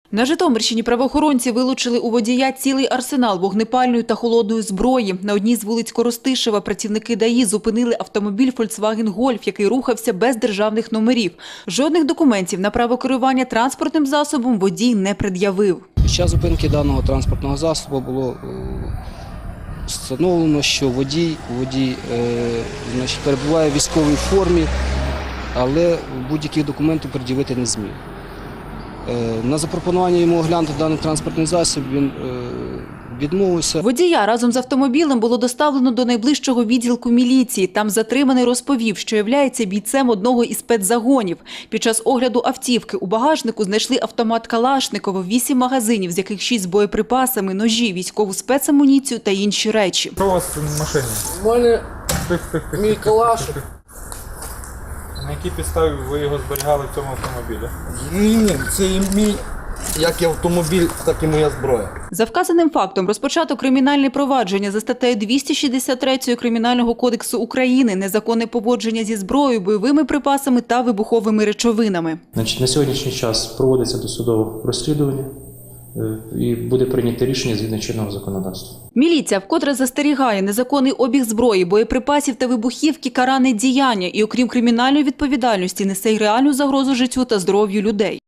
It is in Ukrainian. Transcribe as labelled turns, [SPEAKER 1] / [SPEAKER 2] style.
[SPEAKER 1] На Житомирщині правоохоронці вилучили у водія цілий арсенал вогнепальної та холодної зброї. На одній з вулиць Коростишева працівники ДАІ зупинили автомобіль Volkswagen Golf, який рухався без державних номерів. Жодних документів на право керування транспортним засобом водій не пред'явив.
[SPEAKER 2] Під час зупинки даного транспортного засобу було встановлено, що водій перебуває в військовій формі, але будь-яких документів пред'явити не зміг. На запропонування йому оглянути даний транспортний засіб він відмовився.
[SPEAKER 1] Водія разом з автомобілем було доставлено до найближчого відділку міліції. Там затриманий розповів, що являється бійцем одного із спецзагонів. Під час огляду автівки у багажнику знайшли автомат Калашникова, 8 магазинів, з яких 6 з боєприпасами, ножі, військову спецамуніцію та інші речі.
[SPEAKER 3] Що у вас в машині?
[SPEAKER 4] У мене мій калаш.
[SPEAKER 3] На якій підставі ви його зберігали в цьому автомобілі?
[SPEAKER 4] Ні, це і мій, як і автомобіль, так і моя зброя.
[SPEAKER 1] За вказаним фактом розпочато кримінальне провадження за статтею 263 Кримінального кодексу України «Незаконне поводження зі зброєю, бойовими припасами та вибуховими речовинами».
[SPEAKER 5] На сьогоднішній час проводиться досудове розслідування і буде прийнято рішення згідно чинного законодавства.
[SPEAKER 1] Міліція вкотре застерігає: незаконний обіг зброї, боєприпасів та вибухівки – каране діяння і, окрім кримінальної відповідальності, несе й реальну загрозу життю та здоров'ю людей.